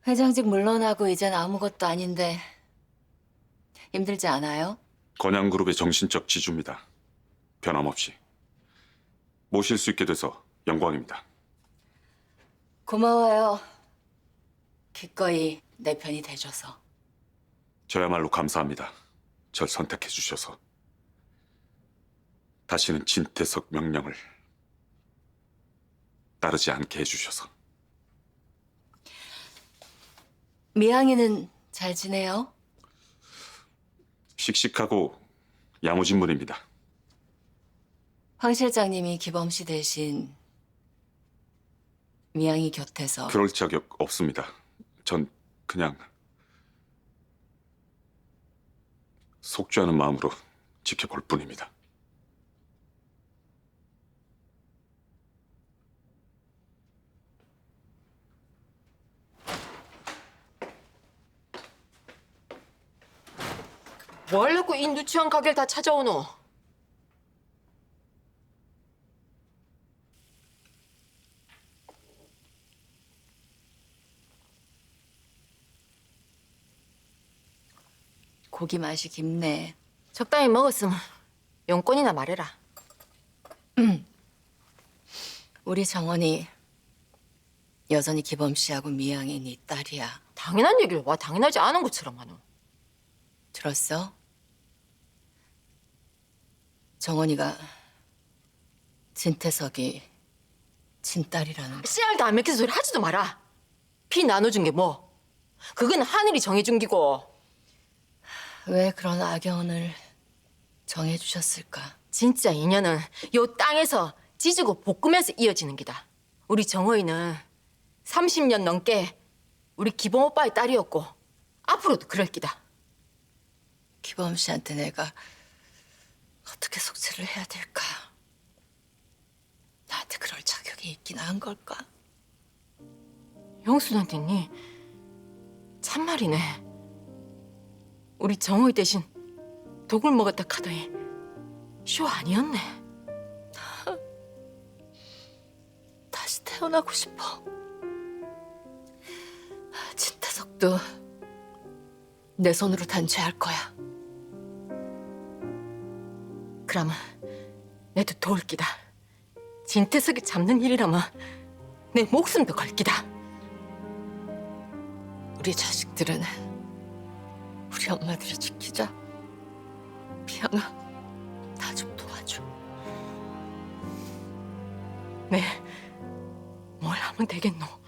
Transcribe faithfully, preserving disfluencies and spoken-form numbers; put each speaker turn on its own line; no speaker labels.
회장직 물러나고 이젠 아무것도 아닌데 힘들지 않아요?
건양그룹의 정신적 지주입니다. 변함없이. 모실 수 있게 돼서 영광입니다.
고마워요. 기꺼이 내 편이 돼줘서.
저야말로 감사합니다. 절 선택해 주셔서. 다시는 진태석 명령을 따르지 않게 해주셔서.
미양이는 잘 지내요?
씩씩하고 야무진 분입니다.
황 실장님이 기범 씨 대신 미양이 곁에서
그럴 자격 없습니다. 전 그냥 속죄하는 마음으로 지켜볼 뿐입니다.
뭘 자꾸 이 누추한 가게를 다 찾아오노?
고기 맛이 깊네.
적당히 먹었으면 용건이나 말해라.
우리 정원이 여전히 기범 씨하고 미양이 네 딸이야.
당연한 얘기를 와 당연하지 않은 것처럼 하노.
들었어? 정원이가 진태석이 친딸이라는 거.
씨알도 안 맥힌 소리 하지도 마라. 피 나눠준 게 뭐? 그건 하늘이 정해준 기고.
왜 그런 악연을 정해주셨을까?
진짜 인연은 요 땅에서 지지고 볶으면서 이어지는 기다. 우리 정호이는 삼십 년 넘게 우리 기범 오빠의 딸이었고 앞으로도 그럴 기다.
기범 씨한테 내가 어떻게 속죄를 해야 될까? 나한테 그럴 자격이 있긴 한 걸까?
형수한테 니 참말이네. 우리 정호이 대신 독을 먹었다 카더니 쇼 아니었네.
다시 태어나고 싶어. 진태석도 내 손으로 단죄할 거야.
그러면 내도 도울 기다. 진태석이 잡는 일이라면 내 목숨도 걸 기다.
우리 자식들은 우리 엄마들을 지키자. 미양아, 나 좀 도와줘.
네, 뭘 하면 되겠노?